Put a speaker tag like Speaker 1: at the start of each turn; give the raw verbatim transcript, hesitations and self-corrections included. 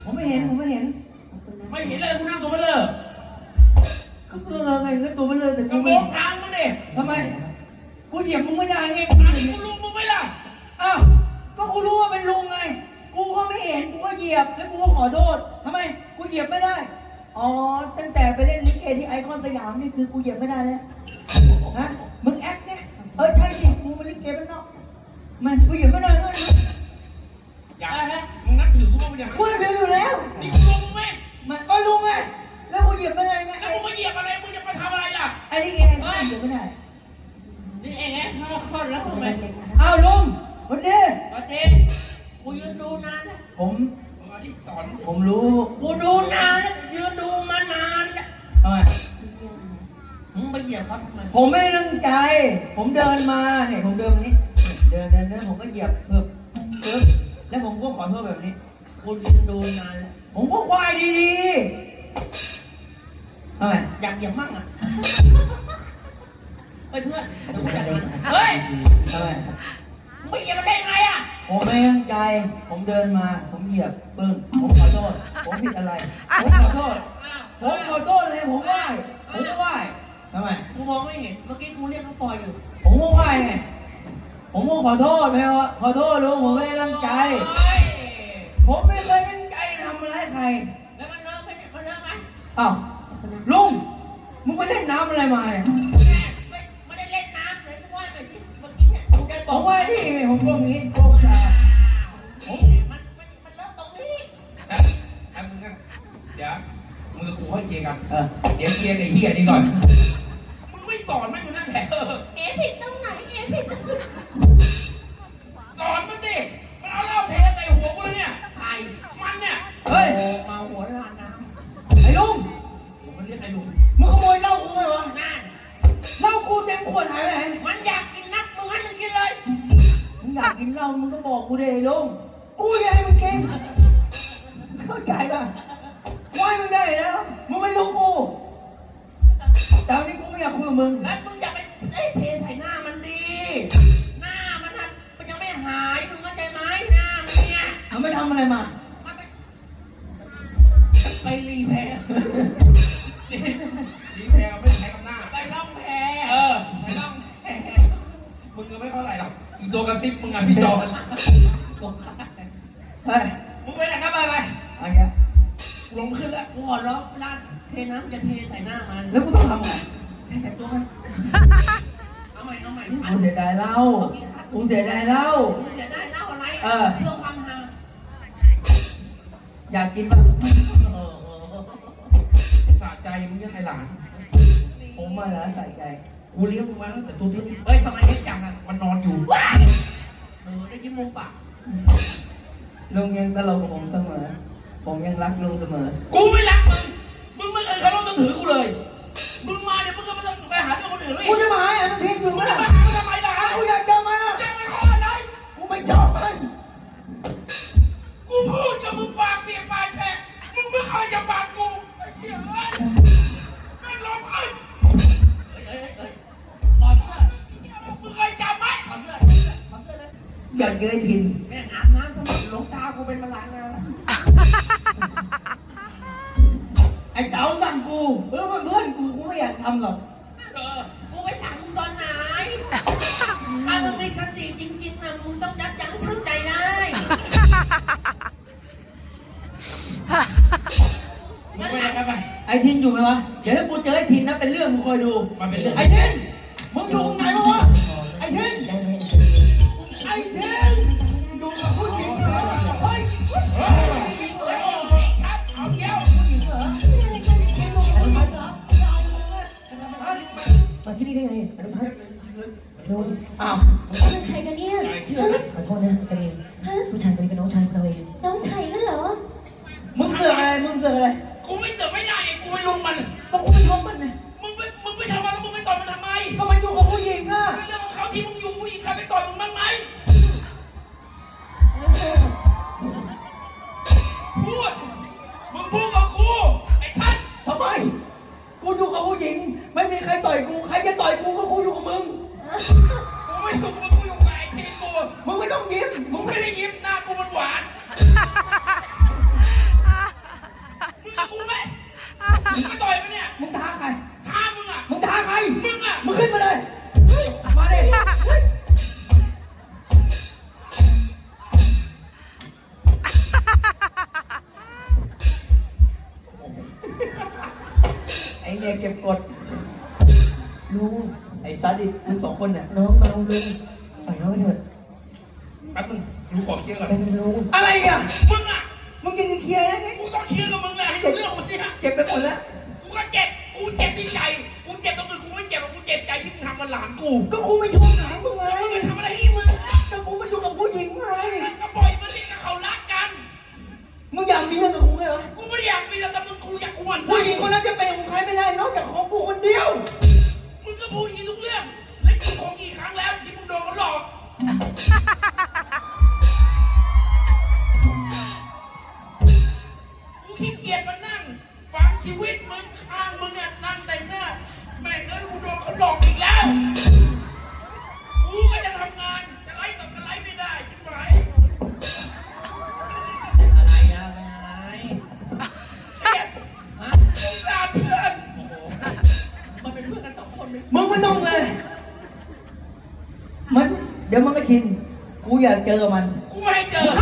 Speaker 1: ผมไม่เห็นผมไม่เห็น
Speaker 2: ไม่เห็นเลยกูนั่งตัวไม่เลิก
Speaker 1: ก็เกลือไงก็ตัวไม่เลิกแต่
Speaker 2: กระ
Speaker 1: กู
Speaker 2: โป
Speaker 1: ไม่
Speaker 2: งทางมาดิ
Speaker 1: ทำไมกูเหยียบมึงไม่ได้ไง
Speaker 2: อันนี้กูลุงมึงไหมล่ะ
Speaker 1: อ้าวก็กูรู้ว่าเป็นลุงไงกูก็ไม่เห็นกูก็เหยียบแล้วกูก็ขอโทษทำไมกูเหยียบไม่ได้อ๋อตั้งแต่ไปเล่นลิเกที่ไอคอนสยามนี่คือกูเหยียบไม่ได้แล้วฮะมึงแอคเนี่ยเออใช่สิกูมาลิเกบ้านนอกมันกูเหยียบไม่ได้เลย
Speaker 2: อยากไหมมึงนับถือกูบ้างไหมเนี่ย
Speaker 1: กูถืออยู่แล้ว
Speaker 2: นี่กูลุงมึงไหม
Speaker 1: มันก็ลุงไงแล้วกูเหยียบไม่ได้ไง
Speaker 2: แล้วมึงมาเหยียบอะไรมึงจะไปทำอะไรล่ะ
Speaker 1: ไอ้ลิเกไอ้กูเหยียบไม่ได้
Speaker 2: นี่เองไงพ่อคลอดแล้วทำไม
Speaker 1: อ้าวลุงวันดี
Speaker 2: วันดีกูยืนดูนานแล้ว
Speaker 1: ผมผมรู้
Speaker 2: กูดูนานแล้วยืนดูมานานแล้ว
Speaker 1: ทำไม
Speaker 2: มึงไปเหยียบเขาทำไม
Speaker 1: ผมไม่ได้ตั้งใจผมเดินมาเนี่ยผมเดินนี้เดินเดินเดินผมก็เหยียบเพิ่มเพิ่มแล้วผมก็ขอโทษแบบนี้
Speaker 2: กูยืนดูนานแล้ว
Speaker 1: ผมก็ไหว้ดีๆทำไม
Speaker 2: อยากเหยียบมั่งอ่ะเฮ้ยเพื่อนเดี๋ยวกูจัดมันเฮ้ย
Speaker 1: ทำไม
Speaker 2: ไม่เหยียบมันได้ไงอ่ะ
Speaker 1: ผมไม่ตั้งใจผมเดินมาผมเหยียบปึ้งผมขอโทษผมผิดอะไรผมขอโทษผมขอโทษเลยผมไหว้ผมไหว้ทำไม
Speaker 2: กูมองไม่เห็นเมื่อกี้กูเรียกน้องปอยอยู่
Speaker 1: ผมก็ไหว้ไงผมก็ขอโทษไหมวะขอโทษลุงผมไม่ได้ตั้งใจผมไม่เคยตั้งใจทำอะไรใคร
Speaker 2: แล้วมันเลิกไหมมันเลิกไหม
Speaker 1: อ้าวลุงมึงไปเล่นน้ำอะไรมาเนี่ย
Speaker 2: ไม่ไม่ได้เล่นน้ำเลยมึงว่าไปที่เมื่อกี้เนี่ยกูได้บอก
Speaker 1: ผมว่าที่ผมก้มนี้ก้มตา
Speaker 2: ผมเนี่ยมันมันมันเลิกตรงนี้ไอ้มึงกันเดี๋ยวมึงกับกูค่อยเคลียร์กันเออเดี๋ยวเคลียร์กับไอ้เหี้ยนี่ก่อนมึงไม่สอนมันอยู่นั่นแหละเอ๋ผิดตรงไหนเอ๋ผิดตรงไหนสอนมันดิมันเอาเหล้าเทใส่หัวกูเลยเนี่ยใครมันเนี่ย
Speaker 1: เฮ้ย
Speaker 2: มาหัวลานน้ำ
Speaker 1: ไอ้ลุง
Speaker 2: มันเรียกไอ้ลุง
Speaker 1: มึงขโมยเหล้ากูไหมวะ
Speaker 2: นั่น
Speaker 1: เหล้ากูเต็มขวดหายไปไหน
Speaker 2: มันอยากกินนักมึงให้มันกินเลย
Speaker 1: มึงอยากกินเหล้ามึงก็บอกกูดิไอ้ลุงกูอยากให้มึงกินเข้าใจป่ะไหวมึงได้แล้วมึงไม่ลุงกูแต่วันนี้กูไม่อยากคุยกับมึง
Speaker 2: แล้วมึงอย่าไปเอ้เทใส่หน้ามันดีหน้ามันนะมันยังไม่หายมึงเข้าใจไหมหน้ามันเนี่ย
Speaker 1: ทำไม่ทำอะไรมา
Speaker 2: มันไปไปรีแพร์รีแพร์ไม่ใช้กับหน้าไปล่องแพเออไปล่องแพมึงก็ไม่เท่าไหร่หรอกอีตัวกระพริบมึงอ่ะพี่จอน
Speaker 1: ไป
Speaker 2: มึงไปไหนครับไปไป
Speaker 1: อะไรเงี้ย
Speaker 2: ลงขึ้นแล้วกูขอร้องลาดเทน้ำจะเทใส่หน้ามัน
Speaker 1: แล้วกูต้องทำไง
Speaker 2: เทใส่ตัวมันเอาใหม่เอาใหม่
Speaker 1: กูเสียดายเหล้ากูเสียดายเหล้า
Speaker 2: กูเสียดายเหล้าอะไร
Speaker 1: เออ
Speaker 2: เรื่องความฮา
Speaker 1: อยากกินป่ะ
Speaker 2: สะใจมึงยังไงหลาน
Speaker 1: ผมมาแล้วใส่ใจ
Speaker 2: กูเลี้ยงมึงมาตั้งแต่ตัวเท่านี้เฮ้ยทำไมเลี้ยงจังอ่ะมันนอนอยู่ว้าเออได้ยิ้มมุมปาก
Speaker 1: ลุงยังตลกกับผมเสมอผมยังรักลุงเสมอ
Speaker 2: กูไม่รักมึงมึงไม่เคยเคารพนับถือกูเลยมึงมาเดี๋ยวมึงก็ไม่ต้องไปหาเรื่องคนอื่นเลย
Speaker 1: กูจะมาหาไอ้มันทิ้งอยู่มั้ย
Speaker 2: ล่ะมาหามันทำไมล่ะ
Speaker 1: กูอยากจะมา
Speaker 2: จะมาขออะไร
Speaker 1: กูไม่ชอบมัน
Speaker 2: กูพูดกับมึงปากเปียกปากแฉะมึงไม่เคยจะปากกูไอ้เหี้ยเอ้ยแม่งร้องไห้เฮ้ยเฮ้ยเฮ้ยถอดเสื้อมึงเคยจำไหมถอดเสื้อถอดเสื้อเลย
Speaker 1: อยากเจอทิน
Speaker 2: แม่งอาบน้ำทั้งหมดหลงตากูเป็นมะลางแล้ว
Speaker 1: ไอ้เต๋าสั่งกูเพื่อนเพื่อนกูกูไม่อยากทำหรอก
Speaker 2: เออกูไปสั่งมึงตอนไหนถ้ามึงมีสติจริงๆนะมึงต้องยับยั้งชั่งใจได้มึงไปไหนกันไป
Speaker 1: ไอ้ทินอยู่ไหมวะเดี๋ยวถ้ากูเจอไอ้ทินนะเป็นเรื่องมึงคอยดู
Speaker 2: มันเป็นเรื่อง
Speaker 1: ไอ้ทินมึงอยู่ตรงไหนวะไอ้ทินไอ้ทินอยู่กับผู้หญิงเหรอเฮ้ย
Speaker 2: เอาเยี่ยว
Speaker 3: มาที่นี่ได้ไงอนุพัฒน์ลุง
Speaker 1: อ้าว
Speaker 3: เป็นใครกันเนี่ยขอโทษนะเสน่ห์ผู้ชายคนนี้เป็นน้องชายของเราเองน้องชายนั่นเหรอ
Speaker 1: มึงเสือกอะไรมึงเสือกอะไร
Speaker 2: กูไม่เสือกไม่ได้ไอ้กูไม่ลงมัน
Speaker 1: ก็กูไม่ลงมันไง
Speaker 2: มึงไปมึงไปทำอะไรแล้วมึงไปต่อยมันทำไม
Speaker 1: ก็มันอยู่กับผู้หญิงอ่ะ
Speaker 2: เป็นเรื่องของเขาที่มึงอยู่ผู้หญิงใครไปต่อยมึงบ้างไหมพูดมึงพูดกับกูไอ้ท่าน
Speaker 1: ทำไมกูอยู่กับผู้หญิงไม่มีใครต่อยกูใครจะต่อยกูก็กูอยู่กับมึง
Speaker 2: กูไม่อยู่กับมึงกูอยู่กับไอ้ทีกู
Speaker 1: มึงไม่ต้องยิ้ม
Speaker 2: มึงไม่ได้ยิ้มหน้ากูมันหวาน
Speaker 1: เก็บกด
Speaker 3: ลุง
Speaker 1: ไอ้ซัดดิมึงสองคนเนี่ย
Speaker 3: น้องเมาลุงปล่อยน้องไปเถอะ
Speaker 2: แป๊บนึงกูขอเคลียร์ก่อน
Speaker 3: เป็นลุง
Speaker 1: อะไรอ่ะ
Speaker 2: มึงอ่ะ
Speaker 1: มึงกินเคลียร์ได้ไง
Speaker 2: กูต้องเคลียร์กับมึงแหละให้รู้เรื่องมันเนี่ย
Speaker 1: เก็บไปหมดแล้ว
Speaker 2: กูก็เจ็บ กูเจ็บที่ใจ กูเจ็บตรงอื่นกูไม่เจ็บหรอกกูเจ็บใจที่มึงทำกับหลานกู
Speaker 1: ก็กูไม่ชอบหลานมึงไง
Speaker 2: มึงไปทำอะไรให้มึงอะ
Speaker 1: ก็กูมาอยู่กับผู้หญิงไง
Speaker 2: ก็ปล่อยมันสิก็เขารักกัน
Speaker 1: มึงอยากมีเรื่องกับกูไงวะ
Speaker 2: กูไม่ได้อยากมีแต่มึงกูอยากกูหวั่น
Speaker 1: ผู้หญิงคนนั้นจะเป็นของใครไม่ได้นอกจากของกูคนเดียว
Speaker 2: มึงก็พูดอย่างนี้ทุกเรื่อง แล้วกูของกี่ครั้งแล้วที่มึงโดนเขาหลอก กูขี้เกียจมานั่งฟังชีวิตมึงข้างมึงอ่ะนั่งแต่งหน้าแม่งเอ้ยกูโดนเขาหลอกอีกแล้ว กูก็จะทำงานจะไล่ต่อกันไล่ไม่ได้จิ๋มไหมอะไรอะเป็นอะไรเครียดฮะสงสารเพื่อนโอ้โหมันเป็นเพื่อนกันสองคนไหม
Speaker 1: มึงไม่ต้องเลย มันเดี๋ยวมันก็ชิน กูอยากเจอมัน
Speaker 2: กูไม่ให้เจอ